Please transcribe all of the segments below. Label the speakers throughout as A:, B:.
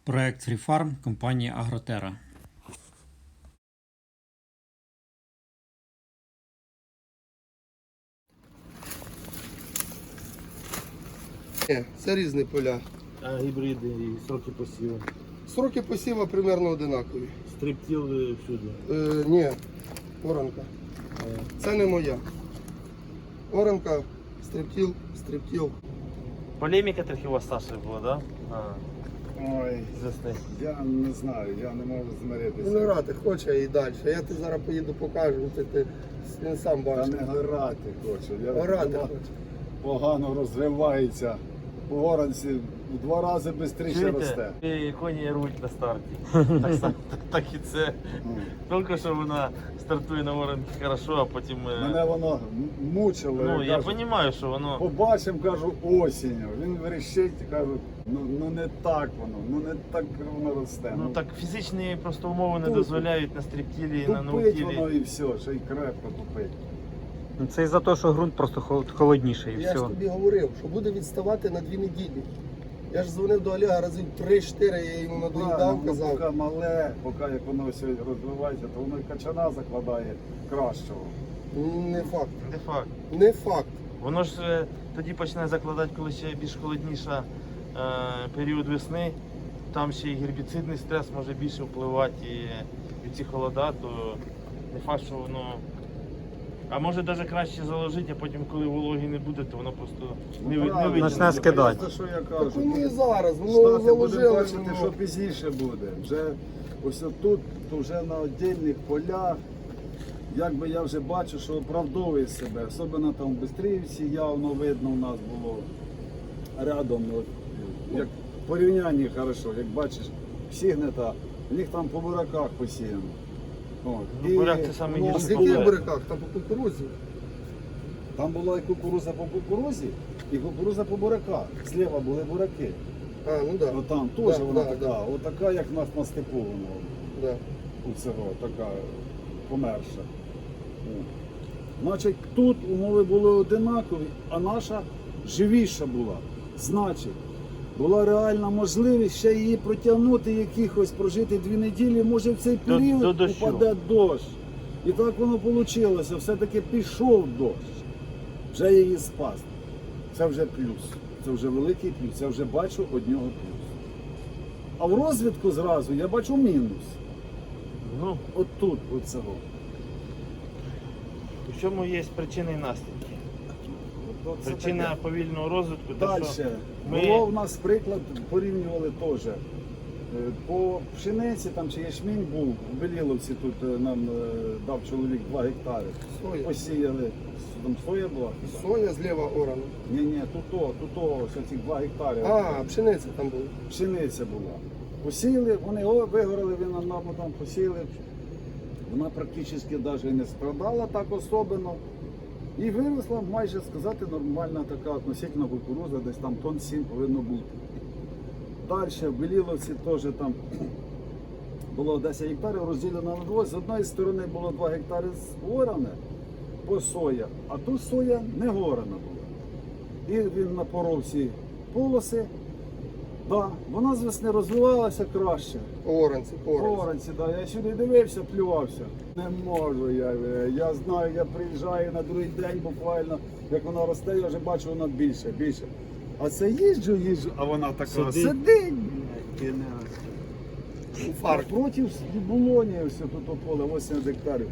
A: Проект FreeFarm компанії Агротера.
B: Це різні поля.
C: А гібриди і сроки посіву.
B: Сроки посіву примерно одинакові.
C: Стриптіл всюди.
B: Ні, оранка. Це не моя. Оранка, стриптіл.
C: Полеміка трохи у вас Саші була, так? Да?
D: Ой,
C: З весни.
D: я не знаю, я не можу змиритися.
B: Він грати хоче і далі. Я ти зараз поїду покажу, ти він сам
D: Та
B: бачиш.
D: не грати хочу.
B: Грати
D: Вона
B: хоче.
D: погано розвивається. По горанці в 2 рази швидше росте.
C: І коні рвуть на старті. Так і це. Тільки що вона стартує на воронки хорошо, а потім...
D: Мене воно мучило.
C: Ну, я
D: кажу,
C: розумію, що воно...
D: побачимо, кажу, осінню. Він вирішить і кажу, ну не так воно, не так воно росте.
C: Ну так фізичні просто умови не
D: Тупить.
C: дозволяють на стріптілі, на
D: Тупить воно
C: наутілі.
D: і все, ще й крепко тупить.
A: Ну, це із-за того, що ґрунт просто холодніший і
B: Я ж
A: все.
B: тобі говорив, що буде відставати на 2 неділі. Я ж дзвонив до Олега разів 3-4, я йому надоїдав,
D: Поки
B: казав.
D: мале, поки як воно все розвивається, то воно й качана закладає кращого.
B: Не факт.
C: Не факт.
B: Не факт.
C: Воно ж тоді почне закладати, коли ще більш холодніша період весни. Там ще і гербіцидний стрес може більше впливати і ці холода, то не факт, що воно. А може навіть краще заложити, а потім, коли вологі не буде, то воно просто не
D: Правильно.
C: вийде.
A: Почне скидати.
D: Це що я
B: Так
D: кажу.
B: воно і зараз, воно
D: Штати будемо
B: заложили.
D: бачити,
B: воно.
D: що пізніше буде. Вже ось тут, то вже на віддільних полях, якби я вже бачу, що оправдовує себе. Особливо там в Бистрівці явно видно у нас було рядом. От, як в порівнянні хорошо, як бачиш, всі гнета, в них там по бураках посіяно. От.
C: Ну, буряк це саме
D: ну,
B: А
C: гірше.
B: в яких буряках? Там по кукурудзі.
D: Там була і кукуруза по кукурузі, і кукуруза по бураках. Зліва були бураки.
B: А, ну так.
D: От там теж
B: Да,
D: вона
B: да,
D: така,
B: да.
D: отака, як в нас на степу вона.
B: Да.
D: У цього така померша. О. Значить, тут умови були одинакові, а наша живіша була. Значить, була реальна можливість ще її протягнути, якихось прожити 2 неділі, може в цей
C: До
D: період
C: дощу.
D: упаде дощ. І так воно вийшло, все-таки пішов дощ. Вже її спас. Це вже плюс. Це вже великий плюс. Я вже бачу одного плюс. А в розвідку зразу я бачу мінус.
C: Ну,
D: От тут, от цього.
C: у чому є причини і наслідки?
D: От це
C: Причина
D: таке.
C: повільного розвитку, те,
D: Далі.
C: що ми-
D: Було в нас приклад, порівнювали теж. По пшениці там чи ячмінь був, в Беліловці тут нам дав чоловік 2 гектари.
B: Соя.
D: Посіяли, там соя була?
B: Соя зліва орана.
D: Ні, тут ось цих 2 гектари.
B: А, пшениця там була.
D: Пшениця була. Посіяли, вони вигорали, він нам там посіяли. Вона практично навіть і не страдала так особливо. І виросла, майже сказати, нормальна така относительно кукуруза, десь там тонн 7 повинно бути. Далі в Беліловці теж там було 10 гектарів, розділено на 2. З однієї сторони було 2 гектари оране по соя, а тут соя не горана була. І він напоров всі полоси. Да, вона з весни розвивалася краще.
B: По оранці, по оранці.
D: Оранці, да. Я сюди дивився, плювався. Не можу я знаю, я приїжджаю на другий день буквально, як вона росте, я вже бачу, вона більше. А це їжджу, а вона така сидить. блядь,
B: Інфаркт.
D: Проти Булоні, ось тут поле, 8 гектарів.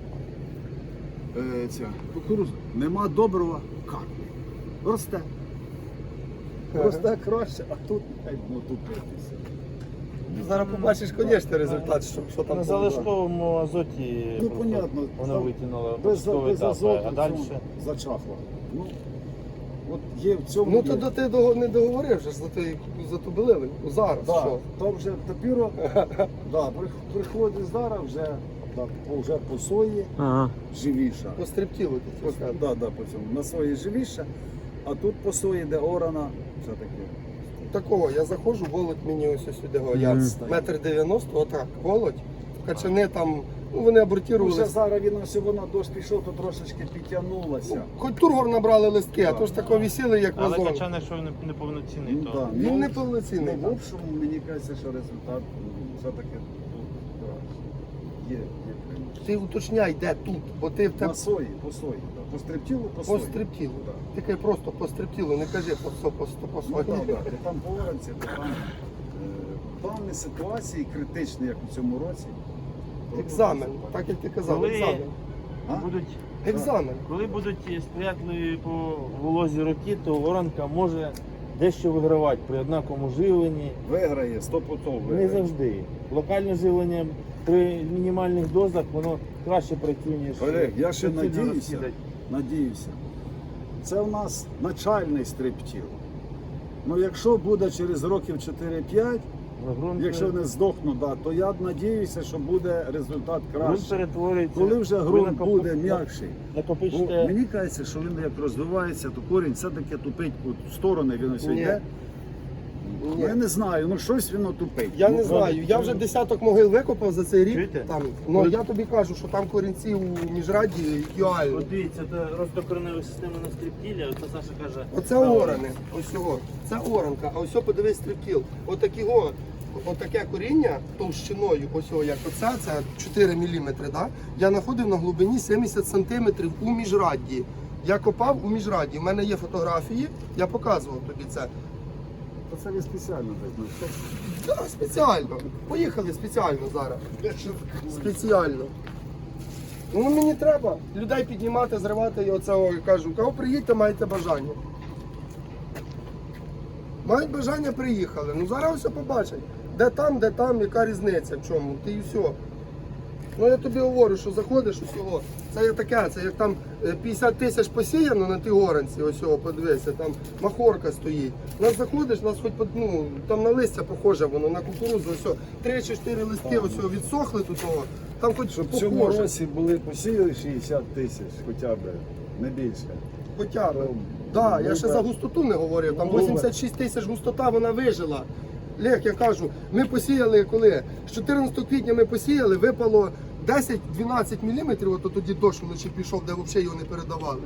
D: Ця кукуруза. Нема доброго капли. Росте. Росте краще, а тут тупитися.
B: Зараз побачиш, звісно, результат, що там
C: на
B: було.
C: залишковому азоті
D: Ну,
C: просто
D: понятно,
C: воно
D: там
C: витягнуло
D: без
C: початковий етап,
D: азоту
C: а далі.
D: зачахло. Ну, от є в цьому.
B: Ну то ти не договорив же за ту белили. Зараз
D: да,
B: що?
D: то вже тепер да, приходить зараз вже по сої
A: Ага.
D: живіша.
B: По стриптілу ти
D: По,
B: сказав.
D: да, по цьому. На сої живіша, а тут по сої, де орана, все таке.
B: Такого, я заходжу, володь мені ось сюди. Я
A: Мгм.
B: 1,90 м, отак, володь. Качани там Ну, вони
D: Вже
B: абортувалися.
D: зараз він ось воно дощ пішов, то трошечки підтягнулося.
B: Хоч тургор набрали листки, а то ж тако висіли, як
C: Але
B: вазон.
C: качан, якщо він неповноцінний,
D: Ну,
C: то
D: да.
B: Він
D: Ну,
B: не повноцінний.
D: Ну, в общому, мені кажеться, що результат все-таки тут краще. Є прямо.
B: Ти уточняй, де тут, бо ти в тебе
D: На сої, по сої. Да. По стриптілу, по сої.
B: по стриптілу.
D: Да.
B: Ти кажи просто по стриптілу, не кажи по
D: Ну,
B: сої.
D: да, да. Ти там по оранці, то там в даній ситуації критичні, як у цьому році. то
B: Екзамен,
D: тут
B: так як ти казав,
C: Коли-
B: екзамен.
D: А?
C: будуть,
B: Екзамен.
C: коли будуть сприятливі по волозі роки, то воронка може дещо вигравати при однаковому живленні.
D: Виграє, 100%
C: Не
D: виграє.
C: завжди. Локальне живлення при мінімальних дозах воно краще працює, ніж
D: Олег, я ще
C: суцільно
D: надіюся,
C: розкидати.
D: надіюся. Це в нас начальний стриптіл. Ну якщо буде через років 4-5,
C: Ґрунт,
D: якщо не здохну, да, то я надіюся, що буде результат
C: ґрунт
D: кращий.
C: перетворюється.
D: Коли вже
C: ви
D: ґрунт буде м'якший. Бо
C: Накопичте.
D: мені кажеться, що він як розвивається, то корінь все-таки тупить у сторони, він ось
B: Ні.
D: йде.
B: Ні.
D: Я не знаю, ну щось воно тупить.
B: Я
D: Ну,
B: не знаю, я вже десяток могил викопав за цей рік.
C: Чуєте?
B: Там, ну я тобі кажу, що там корінці у міжраді ідеальні.
C: От дивіться, це ростокоренева система на стриптілі, оце Саша каже.
B: Оце орани, ось його. Це оранка, а ось його, подивись стрибкіл. Отаке коріння товщиною, ось його, як оце, це 4 мм, да? Я знаходив на глибині 70 см у міжрадді. Я копав у міжрадді. У мене є фотографії, я показував тобі це.
D: То це не спеціально десь. Ну, що?
B: Так, спеціально. Поїхали спеціально зараз. Спеціально. Ну мені треба людей піднімати, зривати і оце я кажу, кого приїдьте, маєте бажання. Мають бажання, приїхали. Ну зараз все побачать. Де там, яка різниця в чому. Ти і все. Ну я тобі говорю, що заходиш усього. Це є таке, це як там 50 тисяч посіяно на тій оранці, ось його, подивися, там махорка стоїть. Нас заходиш, нас хоч ну, там на листя похоже воно, на кукурудзу, ось 3 чи 4 листки ось його відсохли тут, того, там хоч
D: Щоб в цьому
B: похоже.
D: році були посіяли 60 тисяч, хоча б, не більше.
B: Хоча б.
D: То
B: Да, я
D: ми
B: ще
D: б-
B: за густоту не говорив. Там
D: Ну,
B: 86 тисяч густота, вона вижила. Лех, я кажу, ми посіяли коли? З 14 квітня ми посіяли, випало 10-12 мм, от тоді дощ вночі пішов, де взагалі його не передавали.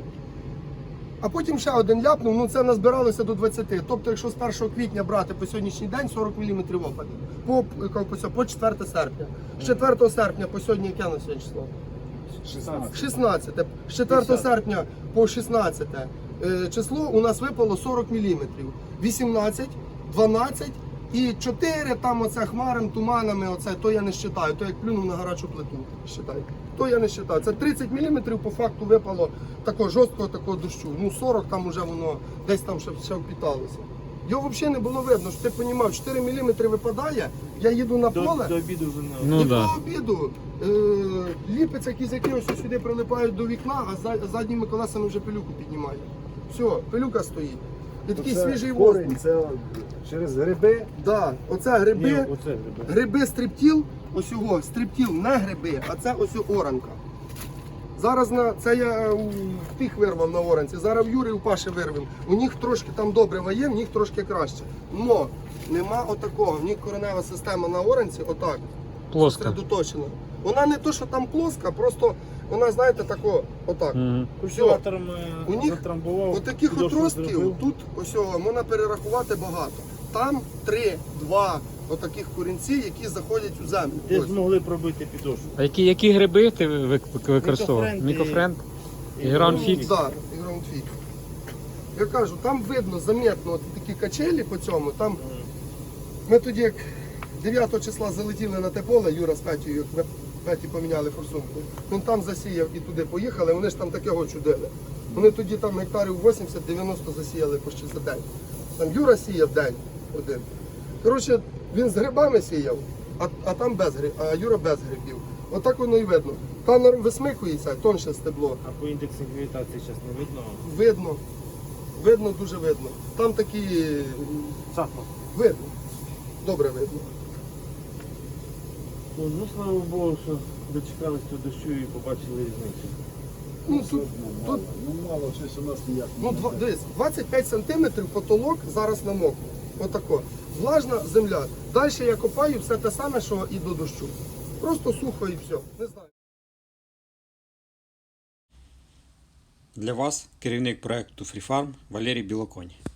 B: А потім ще один ляпнув, ну це назбиралося до 20. Тобто, якщо з 1 квітня брати по сьогоднішній день 40 мм опадів. По 4 серпня. З 4 серпня по сьогодні яке на сьогодні число?
D: 16.
B: 16. З 4 серпня по 16 число у нас випало 40 мм. 18, 12 і 4 там оце хмарами, туманами, оце, то я не вважаю, то як плюнув на гарячу плиту, вважаю. То я не вважаю. Це 30 мм по факту випало такого жорсткого такого дощу. Ну 40 там вже воно десь там ще впіталося. Його взагалі не було видно, що ти розумів, 4 мм випадає, я їду на поле.
C: До обіду вже не
A: Ну,
B: І
A: да.
B: по обіду ліпиться кізяки ось сюди прилипають до вікна, а задніми колесами вже пилюку піднімають. Все, пилюка стоїть. І такий
D: Це
B: свіжий воздух.
D: корінь, це через гриби.
B: Да, оце гриби,
C: Ні, оце гриби.
B: гриби стриптіл, ось його, стриптіл, не гриби, а це ось оранка. Зараз це я у тих вирвав на оранці, зараз в Юрі у Паші вирвем. У них трошки там добре ває, в них трошки краще. Но нема отакого, в них коренева система на оранці, отак.
A: Плоска.
B: Сосредоточена. Вона не то, що там плоска, просто вона, знаєте, тако, отак.
A: Мгм.
C: Культиватором
B: У них
C: затрамбував.
B: Отаких
C: підошву
B: отростків
C: зробив.
B: тут ось можна перерахувати багато. Там 3-2 отаких корінці, які заходять у землю.
C: Де
B: Ось.
C: змогли пробити підошву.
A: А які гриби ти використовував?
C: Мікофренд і-
A: Мікофренд?
C: І
A: Гран
C: ну,
A: фікс.
B: Так, і граундфік. Я кажу, там видно, заметно от такі качелі по цьому. Там ми тоді, як 9 числа залетіли на те поле, Юра з Петєю, як ми Петі поміняли форсунку. Він там засіяв і туди поїхали, вони ж там такого чудили. Вони тоді там гектарів 80-90 засіяли почти за день. Там Юра сіяв день один. Коротше, він з грибами сіяв, а там без грибів, а Юра без грибів. Отак воно і видно. Там висмикується, тонше стебло.
C: А по індексу гравітації зараз не видно.
B: Видно. Видно, дуже видно. Там такі
C: Цапно.
B: видно. Добре видно.
C: Ну, слава Богу, що дочекались до дощу і побачили різницю.
B: Ну, тут,
D: Мало,
B: тут
D: мало, щось у нас ніяк не
B: ну,
D: йде.
B: дивись, 25 сантиметрів потолок зараз намок. Отако. Влажна земля. Далі я копаю все те саме, що і до дощу. Просто сухо і все. Не знаю.
A: Для вас керівник проекту FreeFarm Валерій Білоконь.